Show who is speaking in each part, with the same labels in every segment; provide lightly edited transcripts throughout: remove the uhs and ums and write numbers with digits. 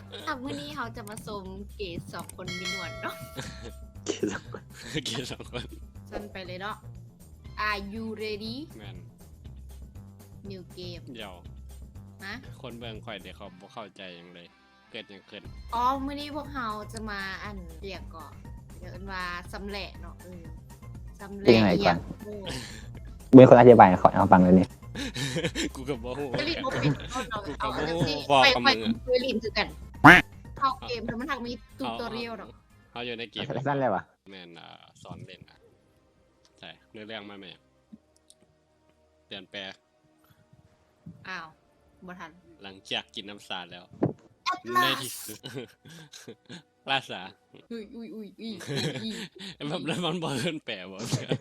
Speaker 1: วันนี้เขาจะมาชมเกดสองคนมีหนวดเนาะ
Speaker 2: เกียร์สองคน
Speaker 3: เกียร์สองคน
Speaker 1: จันไปเลยเนาะ Are you ready
Speaker 3: แมน
Speaker 1: new game
Speaker 3: เดี๋ยว
Speaker 1: นะ
Speaker 3: คนเบิ่งข่อยเดี๋ยวเขาบ่เข้าใจหยังเลย เกิดหยังขึ้น
Speaker 1: อ๋อวันนี้พวกเราจะมาเรียกก่อนเดี๋ยวว่าสำเร็จเนาะสำเร็จอย่างโอ้
Speaker 2: มีคนอธิบายขอเอาฟังเลยนี่
Speaker 3: กูก็บ่ฮู้
Speaker 1: ไม่รีบเอาปิดเอาจังสิ
Speaker 3: บอก
Speaker 1: ไป
Speaker 3: กับ
Speaker 1: ไป
Speaker 3: มึงอะ
Speaker 1: คุยลินคือกันเข้าเกมแล้วมันทางมีตูตอเรียลเนาะ
Speaker 3: เขาอยู่ในเกม
Speaker 2: สั้นเลยวะ
Speaker 3: แมนสอนเล่นนะใช่เรื่องมาไหมเปลี่ยนแปลง
Speaker 1: อ้าวบ่ทัน
Speaker 3: หลังจากกินน้ำสาดแล้ว
Speaker 1: ลา
Speaker 3: ใน
Speaker 1: ส
Speaker 3: ที่สุด ลาสา
Speaker 1: อุ้ย
Speaker 3: แบบนั้นมันบ่เพิ่นแปลบ่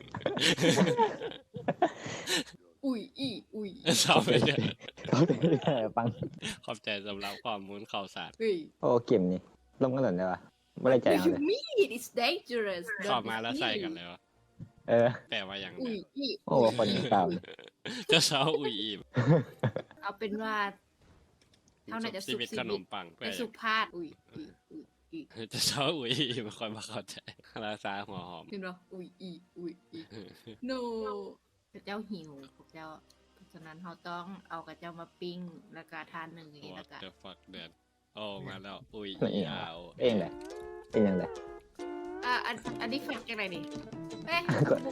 Speaker 1: อุ้ย
Speaker 3: ชอบไปเด้อ
Speaker 2: เขาเป็นแค่ฟัง
Speaker 3: ขอบใจสำหรับข้อมูลข่าวสาร
Speaker 1: เฮ้ย
Speaker 2: โอ้เกมนี่ลงกันหล่นเลยวะไม่ได้ใจเอาเลย
Speaker 1: me it's dangerous
Speaker 3: เข้ามาแล้วใส่กันเลยวะ
Speaker 2: เออ
Speaker 3: แปลว่าอย่าง
Speaker 1: อุ้
Speaker 3: ไร
Speaker 1: ย
Speaker 2: โอ้คนเก่า
Speaker 3: เจะเช้าอุ้ยอีม
Speaker 1: เอาเป็นว่า เท่าไหร่จะสุ
Speaker 3: ชี
Speaker 1: ข
Speaker 3: วิต
Speaker 1: ชี
Speaker 3: ขน
Speaker 1: วิต
Speaker 3: มปังไป
Speaker 1: ไปสุภาพอุ้ย
Speaker 3: เจะเช้าอุ้ยอีมคอยมาเข้าใจลาซาหัวหอม
Speaker 1: เห็นปะอุ้ย no พระเจ้าหิวพระเจ้าเพราะฉะนั้นเราต้องเอากระเจ้ามาปิ้งแล้วก็ทานหนึ่งอย่างนี้
Speaker 3: What
Speaker 1: แล้วก็
Speaker 3: the fuck เดือนโอ้มาแล้วอุ้ย
Speaker 2: เอง
Speaker 3: ยาว
Speaker 2: เองเลยเองยังไง
Speaker 1: อันนี้แฟกจากไหนนี่เอ๊ะ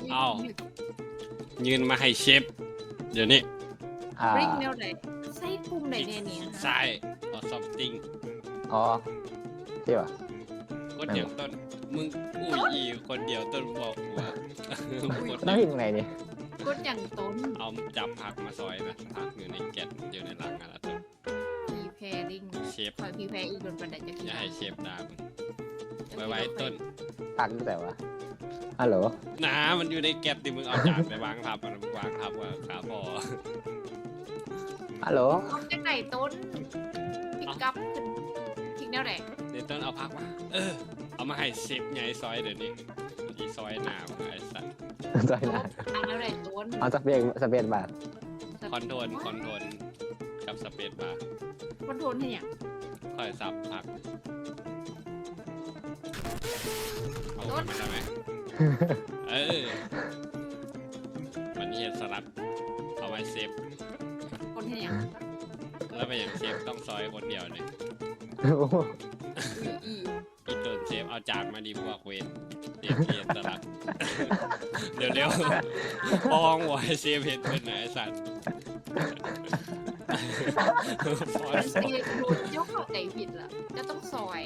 Speaker 3: ยืนมาให้เชฟเดี๋ยวนี้
Speaker 1: บริกแนวไหนใส่ปุ่มไหนเนี่ยนี่
Speaker 3: ใช่เอา something
Speaker 2: อ๋อใช่ปะ
Speaker 3: กดอย่างต้นมึงอุ้ยอีคนเดียวต้นบอกว่า กด
Speaker 2: ต้องพิมพ์ยังไงนี่
Speaker 1: กดอย่างต้น
Speaker 3: เอาจับผักมาซอยนะผักอยู่ในแกะอยู่ในรังอะไรต้น
Speaker 1: พีแพริง
Speaker 3: เชฟ
Speaker 1: คอยพีแพอีกโดนบันไดจะ
Speaker 3: อย่าให้เชฟด่ามึงไว้ต้น
Speaker 2: ตักตั้งแต่วะฮัลโหล
Speaker 3: น้ามันอยู่ในแกะที่มึงเอาจานไปวางทับมันวางทับว่าขาพอ
Speaker 2: ฮัลโหล
Speaker 1: เอาจากไหนต้นพิกอัพขึ้นพิกแนวไหน
Speaker 3: เดี๋ยวต้นเอาผักมาเอามาให้เชฟใหญ่ซอยเดี๋ยวนี้อีซอยหน้ามึงไอ้สัตว์
Speaker 2: จอยนะ
Speaker 1: อันแนวไหนต้น
Speaker 2: เอาสเปนบาท
Speaker 3: คอนโทรลกับสเปซบาร์
Speaker 1: คอนโทรลให้เนี่ย
Speaker 3: ค่อยสับผักเอาไปมันได้ไหมมันนี่สลัดเอาไว้เซฟ
Speaker 1: คนให้เนี่ย
Speaker 3: แล้วไปอย่างเชฟต้องซอยคนเดียวเนี่ย
Speaker 1: อี
Speaker 3: อีตัวเชฟเอาจานมาดีพวกเวนเชฟเพียนสลัด เร็วๆปองไว้เชฟเห็นเป็นไหนสัตว์
Speaker 1: ซีโดนเจ้าเข้าใจผิดละจะต้องซอย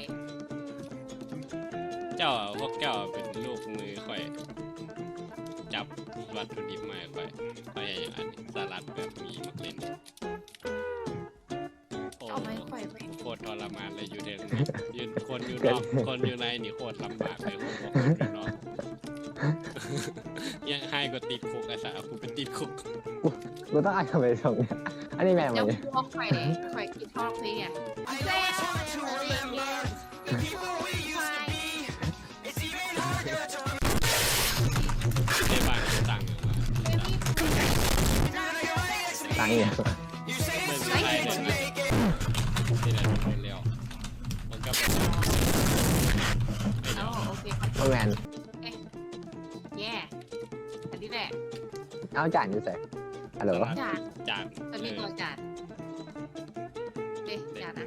Speaker 3: เจ้าพวกเจ้าเป็นลูกมือค่อยจับวัตถุดิบมาค่อยอย่างอันสลัดแบบมีมะเขือโอ้
Speaker 1: เอาไม้ข่อยไป
Speaker 3: โคตรทรมานเลยอยู่เด่นยืนคนอยู่นอกคนอยู่ในนี่โคตรลำบากเลยผมบอกคนอยู่นอกยังให้ก็ติดคุกไอ้สาวกูเป็นติดคุก
Speaker 2: กูต้องอ่านคำไปส่งเนี่ยอันนี้แม่มา
Speaker 1: เจ้า
Speaker 2: เนี่ย
Speaker 1: พวกข่อยกินทอดเพลงอ่ะ
Speaker 3: ในบ้านต่าง
Speaker 2: ตังค์เนี่ย
Speaker 3: เมืองไทยเลยนะที่ไหนเป็นเร็วมันก็เป็น
Speaker 1: อ๋อโอเค
Speaker 2: โอ้แมน
Speaker 1: แย่อันนี้แหละ
Speaker 2: เอาจานอยู่ใส่ฮัลโหล
Speaker 1: จาน
Speaker 3: จาน
Speaker 1: จะมีตัวจานเอ๊ะจานนะ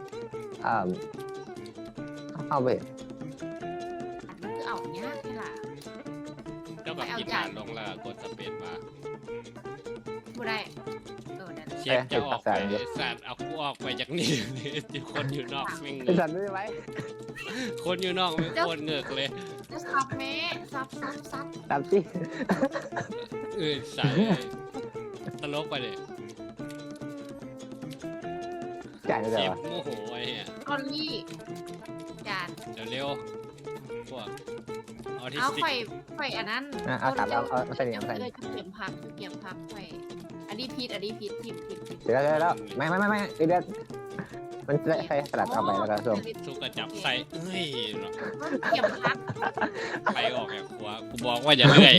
Speaker 2: เอาไป
Speaker 1: อันมันคือเอาเนี้ยใช่ล่ะ
Speaker 3: เจ้ากับกินจานลงแล้วกดสเปซมา
Speaker 1: ผู้ได้ได้
Speaker 3: เชฟจะออกไปสัตว์เอากูออกไปจากนี่ที่คนอยู่นอกไม่เง
Speaker 2: ไอ้
Speaker 3: ื
Speaker 2: สั
Speaker 3: อก
Speaker 2: ตว์ไม่ไหว
Speaker 3: คนอยู่นอกไม่โคตรเงือกเลย
Speaker 1: จะซับแม่ซับ
Speaker 2: ตามที่
Speaker 3: ใส่ตลกไปเลย
Speaker 2: จ่ายอยู่
Speaker 3: เช
Speaker 2: ใส่
Speaker 3: ฟ
Speaker 2: วะ
Speaker 3: โมโหไอ้เนี่ย
Speaker 1: คอนลี่จาน
Speaker 3: เร็วๆพวกออทิส
Speaker 1: เอา
Speaker 3: ติก
Speaker 1: ไข่อันนั้น
Speaker 2: เอาตัดเอาใส่เนี่ยใส่
Speaker 1: เลยเก็บพักเก็บพักไข่อันนี้พิษผิด
Speaker 2: เดี๋ยวแล้วไม่เดี๋ยวมันจะใส่สลัดเอาไปแล้วก็ส่ง
Speaker 3: สุกกระจับใส่เอ้ยเนาะ
Speaker 1: เก็บพัก
Speaker 3: ไปออกแบบครัวกูบอกว่าอย่าเลื่อย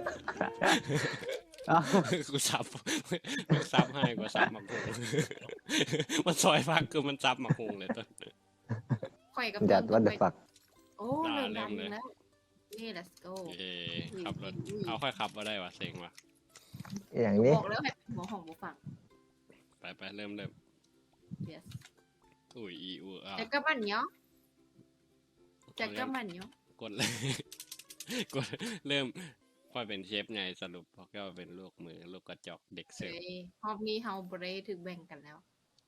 Speaker 3: กูซับให้กูซับมากูมันซอยฟักคือมันซับมาคุงเลยต้น
Speaker 1: ข่อยกับ
Speaker 2: จัดวัดเด
Speaker 1: ไป
Speaker 2: ฟัก
Speaker 1: โอ้
Speaker 3: อ่า
Speaker 1: เริ่ม
Speaker 3: เริ่
Speaker 1: ดั
Speaker 3: ม
Speaker 1: ง
Speaker 3: เลย
Speaker 1: แล้วนี่ let's go
Speaker 3: เอขับรถเอาค่อยขับมาได้วะเซ็งวะ
Speaker 2: อย่างนี้
Speaker 1: บอกแล้วให้หัวของบ่ฟัง
Speaker 3: ไปเริ่ม
Speaker 1: yes
Speaker 3: อุ้ยอีอูอ่ะ
Speaker 1: จะกระมันเนาะจะกระมันเนาะ
Speaker 3: กดเลย กดเริ่มค่อยเป็นเชฟไงสรุปพอแก้วเป็นลูกมือลูกกระจอกเด็กเสิร์ฟ
Speaker 1: รอบนี้เฮาบ่ได้ถึกแบ่งกันแล้ว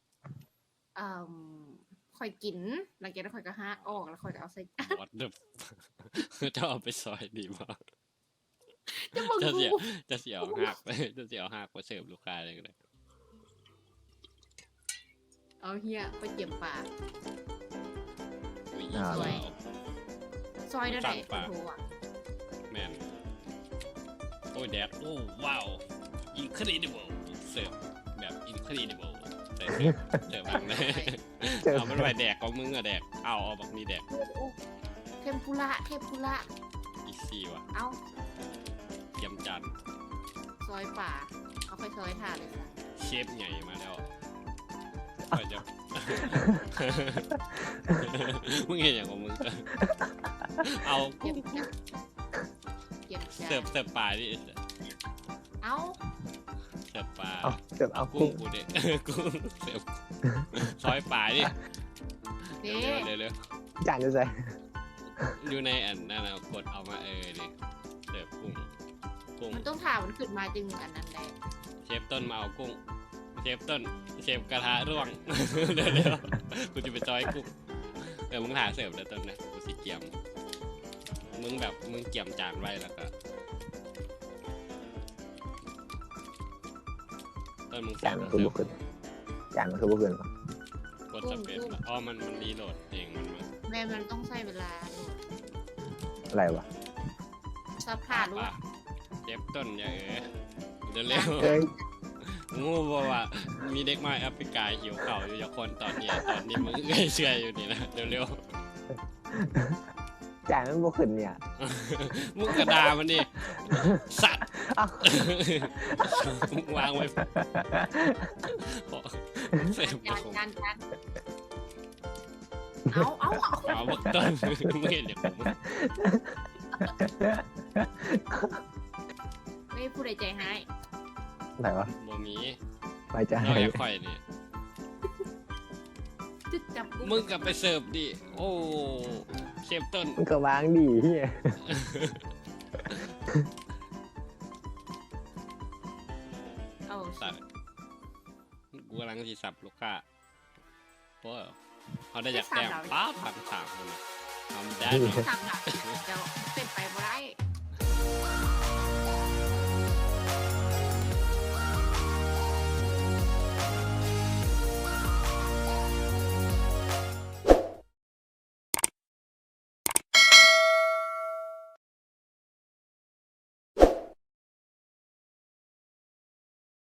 Speaker 1: ข่อยกินหลังจากนั้นข่อยก็หาออกแล้วข่อยก็เอาใส่
Speaker 3: วัดเด จะเอาไปซอยดีมาก
Speaker 1: จะมึง
Speaker 3: จะ
Speaker 1: กู
Speaker 3: เสียหักไปจะเสียหักไปเสิร์ฟลูกค้าเลยก็ได้
Speaker 1: เอาเฮียไปเก็บปลา
Speaker 3: อุ้ย
Speaker 1: สวย ซอยได้ไหน
Speaker 3: สั่งปลา
Speaker 1: โอ้โหอ่ะ
Speaker 3: แมนโอ้ยแดดโอ้ว้าว incredible เสิร์ฟแบบ incredible เสิร์ฟบางเลย เอามันไปแดกของมึงอะแดกเอาบักนี้แดก
Speaker 1: โอ้โหเทมปุระ
Speaker 3: อีซี่ว่ะ
Speaker 1: เอา
Speaker 3: เยี่ยมจัน
Speaker 1: ซอยป่าเอาไปซอยถ่านเลยค่ะ
Speaker 3: เชฟใหญ่มาแล้วไปจะ มึงเห็นอย่างของมึงจะเอา
Speaker 1: เก็บจ้ะเก็บจ้ะ
Speaker 3: เสิร์ฟปลาดิ
Speaker 1: เอา
Speaker 3: เสิร์ฟปลา
Speaker 2: เอาเสิร์ฟเอา
Speaker 3: กุ้
Speaker 2: กุ้
Speaker 3: ง
Speaker 2: ง
Speaker 3: กูเด็ก กุ้งเสิร์ฟซอยปลาดิ
Speaker 1: เด้
Speaker 3: เร็ว
Speaker 2: จานจะใส่
Speaker 3: อยู่ในอันนั่นนะกดเอามาดิเสิร์ฟกุ้ง
Speaker 1: มันต้องถ่ามันขึ้นมาจึงอันนั้นได้
Speaker 3: เชฟต้นมาเอากุ้งเชฟต้นเชฟกระทะร่วง เร็วๆกูจะไปจอยกุ้งมึงหาเสิร์ฟแล้วต้นนะกูสิเกียมมึงแบบมึงเกียมจานไว้แล้วก็ต้นมึง
Speaker 2: จานมันคือบุกขึ้นจานมันคือบุกขึ้น
Speaker 3: กดสเปซอ๋อมันรีโหลดเองมัน
Speaker 1: แม่มันต้องใช้เวลา
Speaker 2: อะไรวะ
Speaker 1: ซับผ่าลูก
Speaker 3: ป่ะเชฟต้นอย่าเร็ว
Speaker 2: เอ้ย
Speaker 3: ๆงูบอกว่ามีเด็กมาแอฟริกาหิวเข่าวอยู่จากคนตอนนี้มึงเชื่ออยู่นี่นะเร็ว
Speaker 2: จานมันบุกขึ้นเนี่ย
Speaker 3: ๆมึงกระดามันดิสัตว์
Speaker 2: เอ้า
Speaker 3: มึงวางไว้เสร็จ
Speaker 1: จานเอา
Speaker 3: เอาบักต้นมึงเห็นเดี๋ยวผม
Speaker 1: ไม่ผู้ใดใจหาย
Speaker 2: ไหนวะ
Speaker 3: บ่มี
Speaker 2: ไปจาน
Speaker 3: นอกจากข่อยนี่
Speaker 1: จึ๊กจับ
Speaker 3: มึงกลับไปเสิร์ฟดิโอ้เชฟต้น
Speaker 2: มันก็วางดีเฮีย
Speaker 1: เอา
Speaker 3: สัตว์กูกำลังสิสับลูกค้าเพราะเขาได้อยากแต้มป้าพันสามคนทำได้
Speaker 1: ทำหลักเดี๋ยวเป็นไป